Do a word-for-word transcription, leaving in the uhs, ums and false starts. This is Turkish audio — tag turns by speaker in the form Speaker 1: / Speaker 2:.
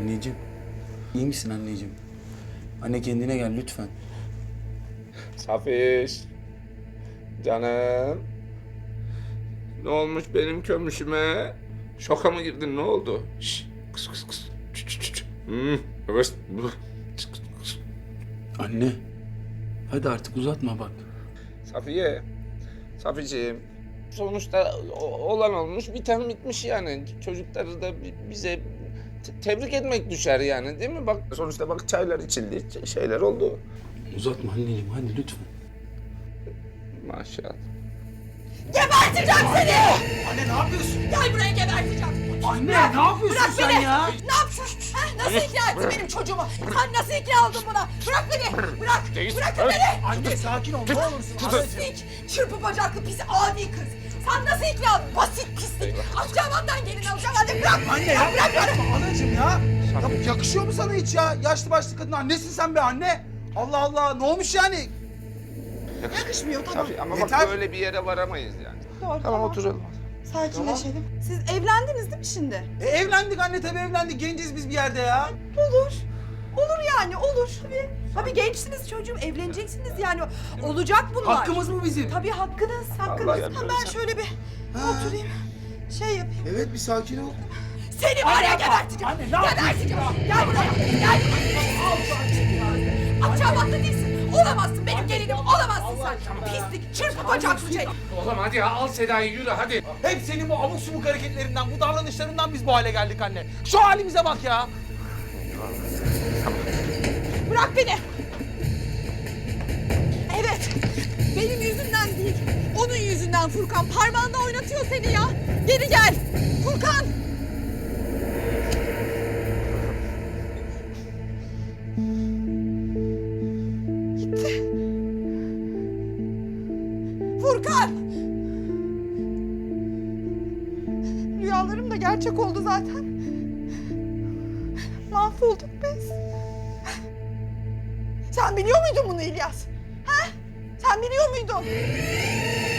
Speaker 1: Anneciğim. İyi misin anneciğim? Anne kendine gel lütfen.
Speaker 2: Safiş. Canım. Ne olmuş benim kömüşüme? Şoka mı girdin, ne oldu? Şşş, kıs kıs kıs. Çıt çıt çıt. Hmm, evet. Çıt çıt kıs.
Speaker 1: Anne. Hadi artık uzatma bak.
Speaker 2: Safiye. Saficim. Sonuçta o- olan olmuş, biten bitmiş yani. Çocukları da bi- bize te- tebrik etmek düşer yani, değil mi? Bak sonuçta bak çaylar içildi, ç- şeyler oldu.
Speaker 1: Uzatma anneciğim hadi lütfen.
Speaker 2: Maşallah.
Speaker 3: Geberteceğim seni!
Speaker 4: Anne ne yapıyorsun?
Speaker 3: Gel buraya geberteceğim.
Speaker 4: Anne ne yapıyorsun
Speaker 3: Bırak
Speaker 4: sen
Speaker 3: beni!
Speaker 4: ya?
Speaker 3: Ne yapıyorsun? Ha, nasıl ikna ettin benim çocuğumu? Sen nasıl ikna oldun buna? Bırak beni! Bırak! Bırakın beni!
Speaker 4: Anne sakin ol ne olursun. Anacığım.
Speaker 3: Pislik! Çırpı bacaklı pis adi kız! Sen nasıl ikna oldun? Basit pislik! Akçabat'tan gelin alacağım hadi bırak!
Speaker 4: Anne
Speaker 3: Ya
Speaker 4: yapma,
Speaker 3: bırak beni!
Speaker 4: yapma anacığım ya. Ya bu yakışıyor mu sana hiç ya? Yaşlı başlı kadın annesin sen be anne. Allah Allah ne olmuş yani?
Speaker 3: Yakışmıyor tamam.
Speaker 2: Safiye ama
Speaker 4: Yeter.
Speaker 2: bak böyle bir yere varamayız yani.
Speaker 3: Doğru
Speaker 2: Tamam oturalım.
Speaker 3: Sakinleşelim. Siz evlendiniz değil mi şimdi?
Speaker 4: E, evlendik anne tabii evlendik. Genciz biz bir yerde ya.
Speaker 3: Olur. Olur yani olur. Tabii. Tabii gençsiniz çocuğum evleneceksiniz yani. Olacak bunlar.
Speaker 4: Hakkımız mı bizim?
Speaker 3: Tabii hakkınız, hakkınız.
Speaker 2: Allah
Speaker 3: Ha,
Speaker 2: yardım
Speaker 3: ben
Speaker 2: etsin.
Speaker 3: şöyle bir oturayım. Şey yapayım.
Speaker 4: Evet bir sakin ol.
Speaker 3: Seni var ya geberteceğim.
Speaker 4: Anne, ne yapıyorsun
Speaker 3: Geberteceğim.
Speaker 4: ya?
Speaker 3: Gel buraya. Gel buraya. Akçabat'ta değilsin. Olamazsın benim gelinim. Olamazsın sen. Pislik, çırpı bacaklı şey.
Speaker 5: Oğlum hadi ya, al Seda'yı yürü hadi.
Speaker 4: Hep senin bu abuk subuk hareketlerinden, bu davranışlarından biz bu hale geldik anne. Şu halimize bak ya.
Speaker 3: Bırak beni. Evet. Benim yüzümden değil. Onun yüzünden Furkan. Parmağında oynatıyor seni ya. Geri gel. Furkan. Gitti. Furkan. Rüyalarım da gerçek oldu zaten. Mahvolduk biz. Sen biliyor muydun bunu İlyas? Ha? Sen biliyor muydun?